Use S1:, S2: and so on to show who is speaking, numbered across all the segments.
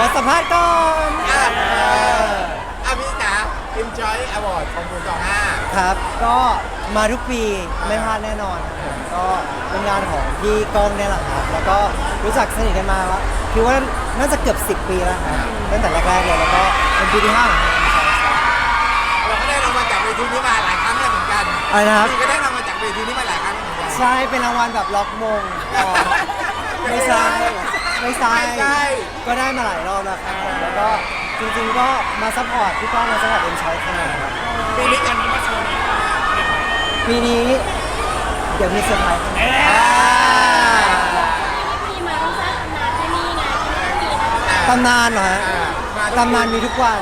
S1: อสัมภาษณ์ก่อน
S2: พี่จ๋า Enjoy Award ของคุณ25
S1: ครับก็มาทุกปีไม่พลาดแน่นอนครับผมก็เป็นงานของพี่ก้องเนี่ยแหละครับแล้วก็รู้จักสนิทกันมาว่าคิดว่าน่าจะเกือบ10 ปีแล้วครับตั้งแต่แรกๆเลยแล้วก็เป็นปีที่5ของเรา
S2: เราก็ได้รางวัลจากเวทีนี้มาหลายครั้งแล้วเหมือนกัน
S1: อะไรนะครับ
S2: พี่ก็ได้รางวัลจากเวทีนี้มาหลายครั้งแล้วเหมือนกัน
S1: ใช่เป็นรางวัลแบบล็อกมงอ๋อไม่ใช่ไม่ใช่ก็ได้มาหลายรอบแล้วครับผมแล้วก็จริงๆก็มาซัพพอร์ตพี่ก้องมาซัพพอร์ตเอ็มชอยขนาดครับ
S2: ปีนี้กันนี้มาโชว์นี้
S1: ปีนี้เดี๋ยวมีเซอร์ไพรส์
S3: มีมาต้องสร้างตำนานที่นี่ไงที่นี่นะ
S1: ตำนานเหรอฮะตำนานมีทุกวัน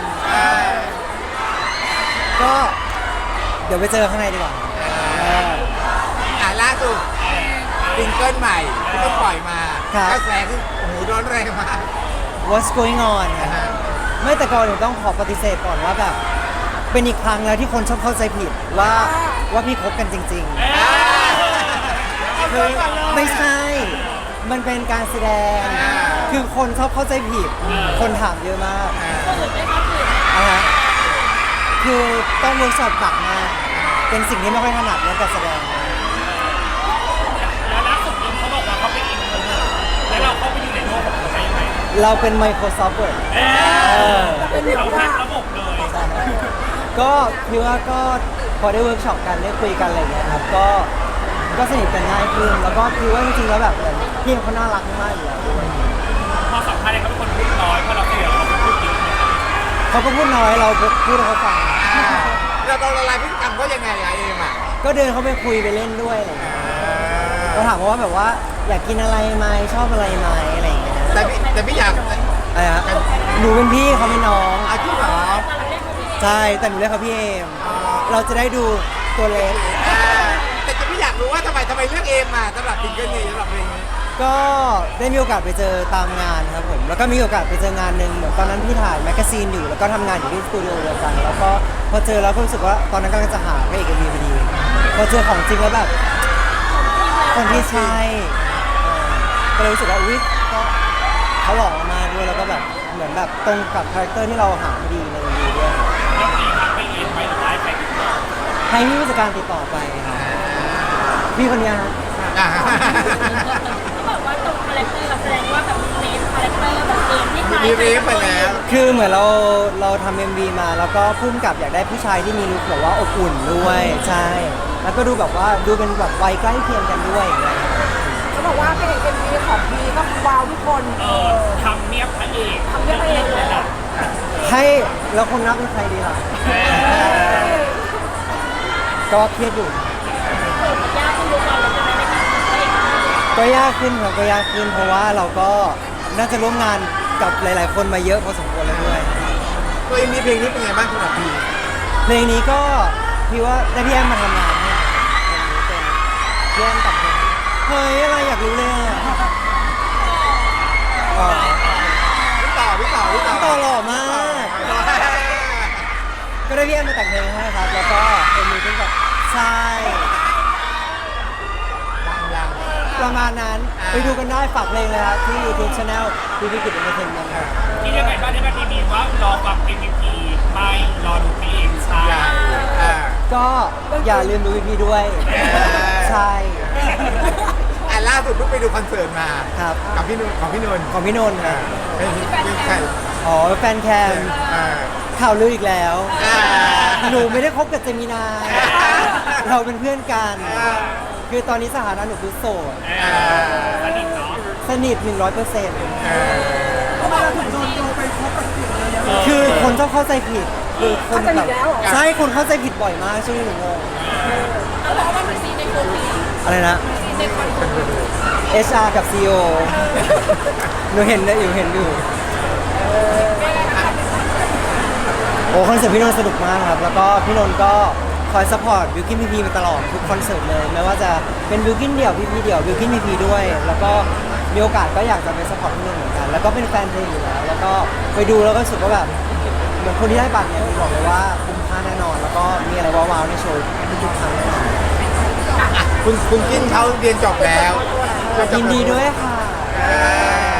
S1: ก็เดี๋ยวไปเจอข้างในดีกว่าเออ
S2: ล่าสุดซิงเกิลใหม่ที่เพิ่งปล่อยมา
S1: ครับ
S2: กระแสคือโอ้โหร้อนแรงมาก
S1: What's going on ครับไม่แต่ก่อนหนูต้องขอปฏิเสธก่อนว่าแบบเป็นอีกครั้งแล้วที่คนชอบเข้าใจผิดว่าพี่คบกันจริงๆคือไม่ใช่ มันเป็นการแสดง คือคนชอบเข้าใจผิด คนถามเยอะมาก
S3: ก็อื่นไม่ครับอื่น
S1: นะฮะคือต้องเวิร์กช็อปหนักมากเป็นสิ่งที่ไม่ค่อยถนัดเรื่องการแสดง
S4: แล้วล่าสุดเขาบอกว่าเขาเป็นอินโทรเวิร์ตแล้วเราเข้าไปอยู่ในโลกของเขาได้ยังไง
S1: เราเป็น Microsoft Word
S4: เราแฮกระบบเลย
S1: ก็คิดว่าก็พอได้เวิร์กช็อปกันได้คุยกันอะไรอย่างเงี้ยครับก็สนิทกันง่ายขึ้นแล้วก็คิดว่าจริงๆแล้วแบบพี่เขาน่ารักมากอยู่แล้วด้วย
S4: พอสัมภาษณ์เนี่ยเขาเป็นคนพูดน้อยพอเราเสียเขาพูดเยอะ
S1: เขาก็พูดน้อยเราพูดให้เขาฟัง
S2: เราละลายพฤติกรรมเขายังไงอะเอมอ่ะ
S1: ก็เดินเขาไปคุยไปเล่นด้วยอะไรอย่างเงี้ยก็ถามเขาว่าแบบว่าอยากกินอะไรไหมชอบอะไรไหมอะไรอย่างเงี้ย
S2: แต่พี่อยาก
S1: อะไรฮะหนูเป็นพี่เขาเป็นน้อง
S2: อาชีพเหรอ
S1: ใช่แต่หนูเรียกเขาพี่เอมเราจะได้ดูตัวเล็ก
S2: แต่จะพี่อยากรู้ว่าทำไมเลือกเอมมาสำหรับซิงเกิลนี้สำหรับเพลงนี้
S1: ก็ได้มีโอกาสไปเจอตามงานครับผมแล้วก็มีโอกาสไปเจองานหนึ่งเหมือนตอนนั้นพี่ถ่ายแมกกาซีนอยู่แล้วก็ทำงานอยู่ที่สตูดิโอเดียวกันแล้วก็พอเจอแล้วก็รู้สึกว่าตอนนั้นกำลังจะหาพระเอกมีพอดีพอเจอของจริงแล้วแบบคนที่ใช่ก็เลยรู้สึกว่าอุ๊ยก็เขาหล่อมากด้วยแล้วก็แบบเหมือนแบบตรงกับคาแรคเตอร์ที่เราหาพอดีในวีด้วย
S4: แล้วปีทักไปเองไหมหรือว่าไปติดต่อ
S1: ให้พี่ผู้จัดการติดต่อไปครับพี่คนเนี้ยครับ
S3: เขาบอกว่าตรงคาแรคเตอร์แสดงว่าแบบมีเรฟคาแรคเตอร์แบบเองที่คล้าย
S2: มีเรฟไปแล้ว
S1: คือเหมือนเราทำ MV มาแล้วก็พุ่มกับอยากได้ผู้ชายที่มีลุคแบบว่าอบอุ่นด้วยใช่แล้วก็ดูแบบว่าดูเป็นแบบวัยใกล้เคียงกันด้วยอย่างเงี้ย
S5: เขาบอกว่าเป็นเอ็มวีของพีก็ว้าวทุกคน
S4: ทำเนียบพระเอก
S5: ทำเรื่องเองเลยอะ
S1: ให้แล้วคนนับเป็นใครดีล่ะก็เครียดอยู่
S3: ยากขึ้นดูก่อนเราจะไม่ได้ทำตัวเอง
S1: ก็ยากขึ้นครับก็ยากขึ้นเพราะว่าเราก็น่าจะร่วมงานกับหลาย ๆ คนมาเยอะพอสมควรแล้วด้วย
S2: ตัวเอ็มมีเพลงนี้เป็นไงบ้างสำหรับพี่
S1: เพลงนี้ก็พี่ว่าได้พี่แอมมาทำงานให้เป็นพี่แอมกับเพลงเฮ้ยอะไรอยากรู้เลยอ่ะอ๋อ
S2: พี่ต่อ
S1: ต่อหล่อมาก ก็ได้พี่แอมมาแต่งเพลงให้ครับ แล้วก็เป็นมือขึ้นกับใช่ประมาณนั้นไปดูกันได้ฝากเพลงเลยครับที่ YouTube Channel พี่พิกิตเอนเตอร์เทนเมนต์ครับ
S4: ที่ยังไงบ้างที่แบบมีว่ารอฟัง MVP ไม่รอดูเพลงใช่
S1: ก็อย่าลืมดูพี่ด้วย ใช่
S2: ล่าสุดเพิ่งไปดูคอนเสิร์ตมา
S1: ครับ
S2: กับพี่นุ่นของพี่นุ่น
S1: ของพี่นนท์ครับ
S2: เป็นใคร
S1: อ๋อแฟนแคมข่าวลืออีกแล้ว หนูไม่ได้คบกับเจมินาย เราเป็นเพื่อนกัน คือตอนนี้สถานะหนูคือโสด
S4: สนิทเนาะ
S1: สนิท 100%
S5: ทำไมเราถึงโดนโยงไปคบกับสิ่งเลยอะ
S1: คือคนชอบเข้าใจผิด คือคนแบบ
S5: เข้าใจผิดแล้วเหรอ
S1: ใช่คนเข้าใจผิดบ่อยมากช่วงนี้หนูงง
S3: แล้วบอกว่ามันซีในโคฟี
S1: อะไรนะ
S3: ซีในคอนโทร
S1: HR กับ CEO หนูเห็นอยู่โอ้คอนเสิร์ตพี่นนท์สนุกมากครับ แล้วก็พี่นนท์ก็คอยซัพพอร์ตบิวกิ้นพีพีมาตลอดทุกคอนเสิร์ตเลยไม่ว่าจะเป็นบิวกิ้นเดี่ยวพีพีเดี่ยวบิวกิ้นพีพีด้วย แล้วก็มีโอกาสก็อยากจะไปซัพพอร์ตพี่นนท์เหมือนกัน แล้วก็เป็นแฟนเพลงอยู่แล้วแล้วก็ไปดูแล้วก็รู้สึกว่าแบบเหมือนคนที่ได้บัตรเนี่ยบอกเลยว่าคุ้มค่าแน่นอน แล้วก็มีอะไรว้าวๆในโชว์ทุกๆครั้งแน่นอน
S2: คุณกินเขาเรียนจบแล้ว
S1: ยินดีด้วยค่ะ
S2: เ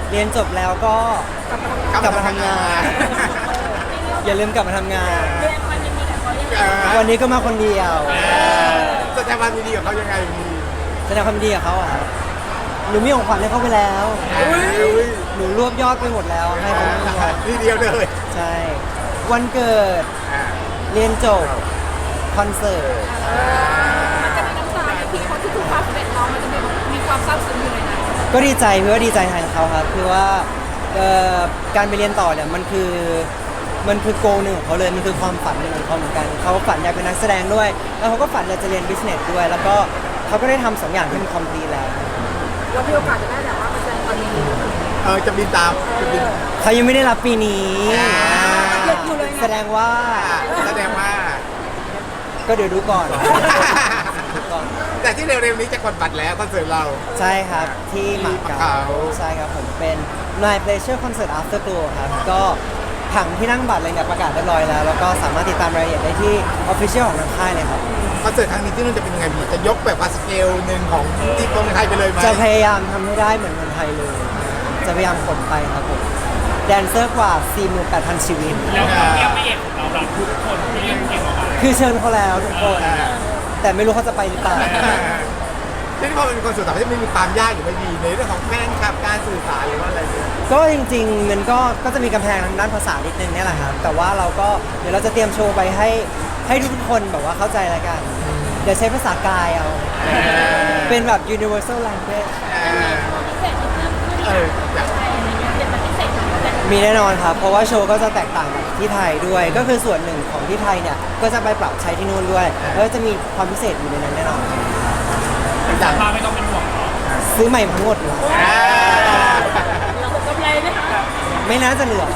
S1: เรียนจบแล้วก็กลับมาทำงาน อย่าลืมกลับมาทำงาน
S3: เรียนความยินดีกับเขายังไง
S1: วันนี้ก็มาคนเดียว
S2: แสดงความยินดีกับเขายังไงมี
S1: แสดงความยินดีกับเขาอะครับหนูมีของขวัญให้เขาไปแล้ว
S2: อุ้ย
S1: หนูรวบยอดไปหมดแล้วให้เขาทั้งหมด
S2: ทีเดียวเลย
S1: ใช่ วันเกิด
S2: อ่า
S1: เรียนจบ คอนเสิร์ต
S3: มันจะมีน้ำตาในทีเขาที่ทุกความสำเร็จน้องมันจะมีความซาบซึ้งอยู่ในนั้น
S1: ก็ดีใจพี่ว่าดีใจแทนเขาครับคือว่าการไปเรียนต่อเนี่ยมันคือโกหนึ่งของเขาเลยมันคือความฝันหนึ่งของเขาเหมือนกันเขาฝันอยากเป็นนักแสดงด้วย แล้วเขาก็ฝันอยากจะเรียนบิสเนสด้วย แล้วก็เขาก็ได้ทำสองอย่างที่มันคอมพลีทแล้ว
S3: เรามีโอกาสจะได้แบบว่ามาแสดงความยินดี
S2: จะบินตามจะบิน
S1: เขายังไม่ได้รับปีนี้
S3: อยู่เลย
S1: แสดงว่า
S2: แสดงว่า
S1: ก็เดี๋ยวดูก่อนดูก่อน
S2: แต่ที่เร็วๆนี้จะกดบัตรแล้วคอนเสิร์ตเรา
S1: ใช่ครับที่หมาเก๊า
S2: หมาเก๊า
S1: ใช่ครับผมเป็น My Pleasure Concert Afterglow ครับก็ผังที่นั่งบัตรอะไรเนี่ยประกาศเรียบร้อยแล้ว แล้วก็สามารถติดตามรายละเอียดได้ที่ Official ของทางค่ายเลยครับ
S2: คอนเสิร์ตครั้งนี้ที่นู่นจะเป็นยังไงพี่จะยกแบบว่าสเกลหนึ่งของที่เมืองไทยไปเลยไหม
S1: จะพยายามทำให้ได้เหมือนเมืองไทยเลย จะพยายามขนไปครับผมแดนเซอร์กว่า 48,000 ชีวิต
S4: แล้วความเรียบละเอียดของเราล่ะทุกคนที่เรียนเก่งออกมา
S1: คือเชิญเขาแล้วทุกคน แต่ไม่รู้เขาจะไปหรือเปล่า
S2: ที่นี่พอเป็นคอนเสิร์ตต่างประเทศมันมีความยากอยู่ไม่ดีในเรื่องของแฟนคลับการสื่อสารหรือว่าอะไรเนี่ย
S1: ก็จริงๆมันก็จะมีกำแพงทางด้านภาษานิดนึงเนี่ยแหละครับ แต่ว่าเราก็เดี๋ยวเราจะเตรียมโชว์ไปให้ทุกคนแบบว่าเข้าใจแล้วกัน เดี๋ยวใช้ภาษากายเอา เป็นแบบ universal language
S3: พิเศษที่เพิ่มขึ้นจากไทยอะไรเงี้ยเป็นพิเศษของแต่
S1: มีแน่นอนครับ เพราะว่าโชว์ก็จะแตกต่างจากที่ไทยด้วย ก็คือส่วนหนึ่งของที่ไทยเนี่ย ก็จะไปปรับใช้ที่นู่นด้วย แล้วก็จะมีความพิเศษอยู่ในนั้นแน่นอน
S2: อย่าง
S4: มาไม่ต้องเป็นห่วงเนาะ
S1: ซื้อใหม่ทั้งหมดเลย
S3: เรากำไรไหมคะ
S1: ไม่น่าจะเหลือ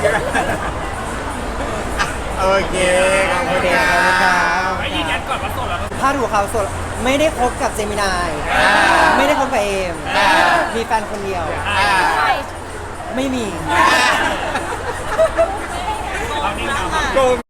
S2: โอเคขอบคุณ
S1: โอเค
S2: ค
S1: ขอบคุณครั
S2: รับ
S4: ไอ้ยืนยันก่อนว่าโสดแล้วก็
S1: พาดหัวข่าวสดไม่ได้คบกับเจมินาย ไม่ได้คบกับเอม มีแฟนคนเดียว
S3: ใช่
S1: ไม่มี
S4: เรานี่นะ
S2: โกง